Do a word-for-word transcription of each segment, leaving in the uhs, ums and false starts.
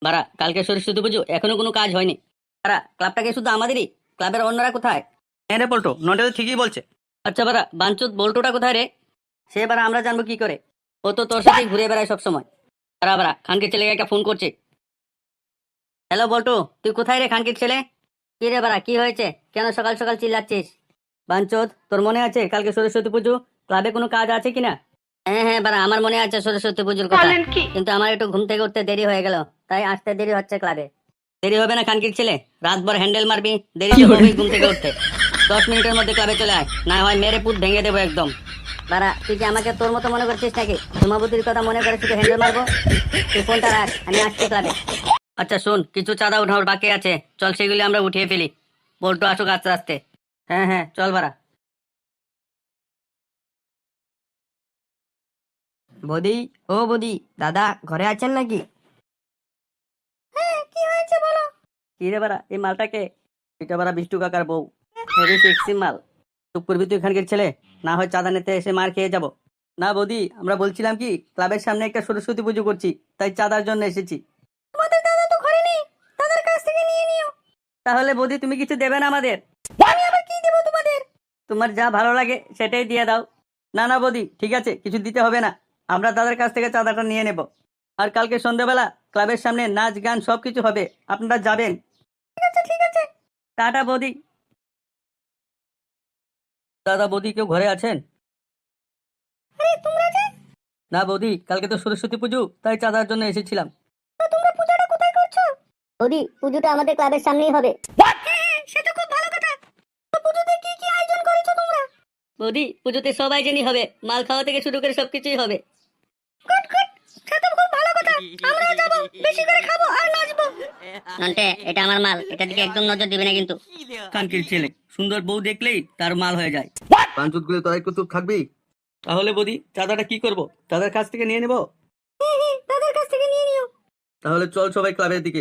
বারা, কালকে সরস্বতী পুজো, এখনো কোনো কাজ হয়নি। বারা, ক্লাবটাকে শুধু আমাদেরই, ক্লাবের অন্যরা কোথায়? হ্যাঁ রে পল্টু, নন্টে তো ঠিকই বলছে। আচ্ছা বারা, বাঞ্চুত বল্টুটা কোথায় রে? সে বারা আমরা জানবো কি করে? ও তো তোর সাথেই ঘুরে বেড়ায় সবসময়। বারা বারা, খানকে ছেলেকে একটা ফোন করছে। হ্যালো বল্টু, তুই কোথায় রে খানকির ছেলে? কি রে বারা, কি হয়েছে? কেন সকাল সকাল চিল্লাচ্ছিস? বাঞ্চোদ, তোর মনে আছে কালকে সরস্বতী পুজো, ক্লাবে কোনো কাজ আছে কিনা? হ্যাঁ হ্যাঁ বারা, আমার মনে আছে সরস্বতী পুজোর কথা, কিন্তু আমার একটু ঘুম থেকে উঠতে দেরি হয়ে গেল, তাই আসতে দেরি হচ্ছে ক্লাবে। দেরি হবে না খানকির ছেলে, রাতভর হ্যান্ডেল মারবি, দেরি তো হবেই ঘুম থেকে উঠতে। দশ মিনিটের মধ্যে ক্লাবে চলে আয়, না হয় মেরে পুত ভেঙে দেবো একদম। বারা, তুই কি আমাকে তোর মতো মনে করছিস নাকি? ধুমাবতির কথা মনে করে শুধু হ্যান্ডেল মারবো? তুই ফোনটা রাখ, আমি আসছি ক্লাবে। আচ্ছা শোন, কিছু চাঁদা উঠানোর বাকি আছে, চল সেগুলি আমরা উঠিয়ে ফেলি। বল্টু আসুক আস্তে আস্তে। হ্যাঁ হ্যাঁ চল বারা। বৌদি, ও বৌদি, দাদা ঘরে আছেন নাকি? হ্যাঁ, কি হয়েছে বলো? কি রে বাড়া, এই মালটাকে? এটা বাড়া বিষ্টু কাকার বউ, হেভি সেক্সি মাল। চুপ করবি তুই খানকির ছেলে, না হয় চাঁদা নিতে এসে মার খেয়ে যাব। না বৌদি, আমরা বলছিলাম কি, ক্লাবের সামনে একটা সরস্বতী পুজো করছি, তাই চাঁদার জন্য এসেছি। তোমাদের দাদা তো ঘরে নেই, দাদার কাছ থেকে নিয়ে নিও। তাহলে বৌদি তুমি কিছু দেবে না আমাদের? আমি আবার কি দেবো তোমাদের? তোমার যা ভালো লাগে সেটাই দিয়ে দাও। না না বৌদি, ঠিক আছে, কিছু দিতে হবে না, আমরা দাদার কাছ থেকে চাঁদাটা নিয়ে নেব। আর কালকে সন্ধ্যাবেলা ক্লাবের সামনে নাচ গান সবকিছু হবে, আপনারা যাবেন। ঠিক আছে ঠিক আছে, টাটা বৌদি। দাদা বৌদি কেউ ঘরে আছেন? না বৌদি, কালকে তো সরস্বতী পুজো, তাই চাঁদার জন্য এসেছিলাম। বৌদি, পুজোটা আমাদের ক্লাবের সামনেই হবে। বৌদি, পুজোতে সবাই জানি হবে, মাল খাওয়া থেকে শুরু করে সবকিছুই হবে। নন্টে, এটা আমার মাল, এটা দিকে একদম নজর দিবে না কিন্তু। কানকির ছেলে, সুন্দর বউ দেখলেই তার মাল হয়ে যায়। পাঞ্চুত গুলো তোরা একটু চুপ থাকবি? তাহলে বৌদি, চাঁদাটা কি করব? চাঁদার কাছ থেকে নিয়ে নেব? দাদার কাছ থেকে নিয়ে নিও। তাহলে চল সবাই ক্লাবের দিকে।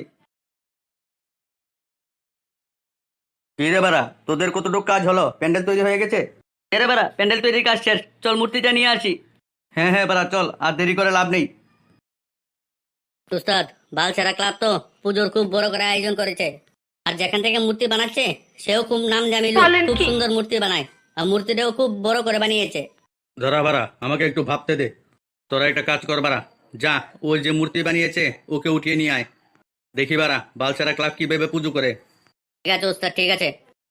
কি রে বাড়া, তোদের কতটুকু কাজ হলো? প্যান্ডেল তৈরি হয়ে গেছে? এরে বাড়া, প্যান্ডেল তৈরির কাজ শেষ, চল মূর্তিটা নিয়ে আসি। হ্যাঁ হ্যাঁ বাড়া, চল, আর দেরি করে লাভ নেই। উস্তাদ, বালছেড়া ক্লাব তো পুজোর খুব বড় করে আয়োজন করেছে, আর যেখান থেকে মূর্তি বানাচ্ছে সেও খুব নাম জানি লোক, খুব সুন্দর মূর্তি বানায়, আর মূর্তিটাও খুব বড় করে বানিয়েছে। ধরা বাড়া, আমাকে একটু ভাবতে দে। তোরা একটা কাজ কর বাড়া, যা ওই যে মূর্তি বানিয়েছে ওকে উঠিয়ে নিয়ে আয়। দেখি বাড়া, বালছেড়া ক্লাব কি ভেবে পুজো করে। ঠিক আছে উস্তাদ, ঠিক আছে।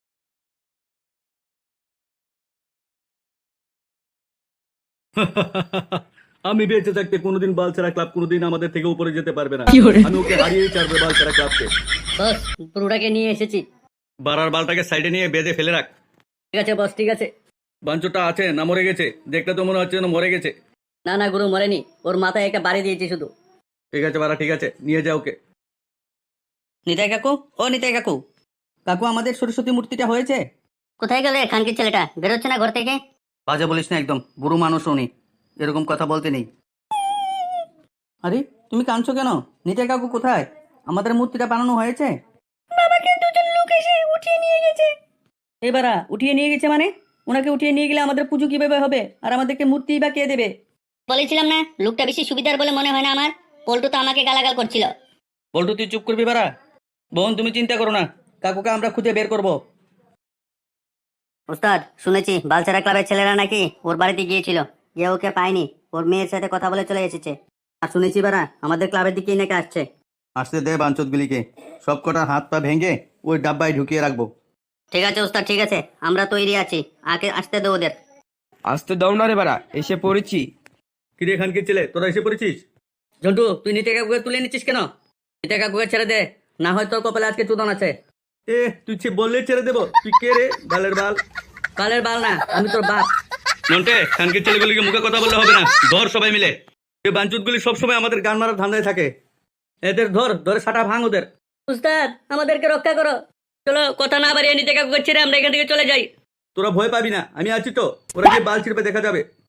আমি বেঁচে থাকতে কোনোদিন বালছেড়া ক্লাব কোনোদিন আমাদের থেকে উপরে যেতে পারবে না। আমি ওকে হারিয়েই ছাড়বো বালছেড়া ক্লাবকে। বস, পুরোটাকে নিয়ে এসেছি। বাড়ার বালটাকে সাইডে নিয়ে বেঁধে ফেলে রাখ। ঠিক আছে বস, ঠিক আছে। বাঞ্চটা আছে না মরে গেছে? দেখতে তো মনে হচ্ছে যেন মরে গেছে। না না গুরু, মরেনি, ওর মাথায় একটা বাড়ি দিয়েছি শুধু। ঠিক আছে বাড়া, ঠিক আছে, নিয়ে যা ওকে। নিতাই কাকু, ও নিতাই কাকু, কাকু আমাদের সরস্বতী মূর্তিটা হয়েছে। কোথায় গেলে খানকির ছেলেটা? বেরোচ্ছে না ঘর থেকে? বাজে বলিস না একদম, বুড়ো মানুষ উনি, এরকম কথা বলতে নেই। আরে তুমি কাঁদছো কেন? নিতাই কাকু কোথায়? আমাদের মূর্তিটা বানানো হয়েছে। এবারা উঠিয়ে নিয়ে গেছে মানে? ওনাকে উঠিয়ে নিয়ে গেলে আমাদের পুজো কিভাবে হবে, আর আমাদেরকে মূর্তি বা কে দেবে? বলেছিলাম না, লোকটা বেশি সুবিধার বলে মনে হয় না আমার। পল্টু তো আমাকে গালাগাল করছিল। বল্টু তুই চুপ করবি বারা। বোন তুমি চিন্তা করো না, কাকুকে আমরা খুঁজে বের করব। ওস্তাদ, শুনেছি বালছেড়া ক্লাবের ছেলেরা নাকি ওর বাড়িতে গিয়েছিল, গিয়ে ওকে পায়নি, ওর মেয়ের সাথে কথা বলে চলে এসেছে। আর শুনেছি বারা, আমাদের ক্লাবের দিকেই নাকি আসছে। আসতে দে বাঞ্চতগুলিকে, সব কটার হাত পা ভেঙে ওই ডাব্বায় ঢুকিয়ে রাখবো। ঠিক আছে ওস্তাদ, ঠিক আছে, আমরা তৈরি আছি, আগে আসতে দে ওদের। আসতে দাও না রে বাড়া, এসে পড়েছি। কিরে খানকির ছেলে, তোরা এসে পড়েছিস? ঝন্টু, তুই নিতে কাকুকে তুলে নিচ্ছিস কেন? নিতে কাকুকে ছেড়ে দে, না হয় তোর কপালে আজকে চুদন আছে। এ তুই ছে বললে ছেড়ে দেবো? তুই কে রে বালের বাল? কালের বাল না, আমি তোর বাপ। নন্টে, খানকির ছেলেগুলিকে মুখে কথা বললে হবে না, ধর সবাই মিলে। এই বাঞ্চুতগুলি সবসময় আমাদের গান মারার ধান্দায় থাকে। এদের ধর, ধরে সাটা ভাঙ ওদের। উস্তাদ, আমাদেরকে রক্ষা করো, চলো কথা না বাড়িয়ে নিতে কাকুকে ছেড়ে আমরা এখান থেকে চলে যাই। তোরা ভয় পাবি না, আমি আছি তো, ওরা গিয়ে বাল ছিড়বে দেখা যাবে।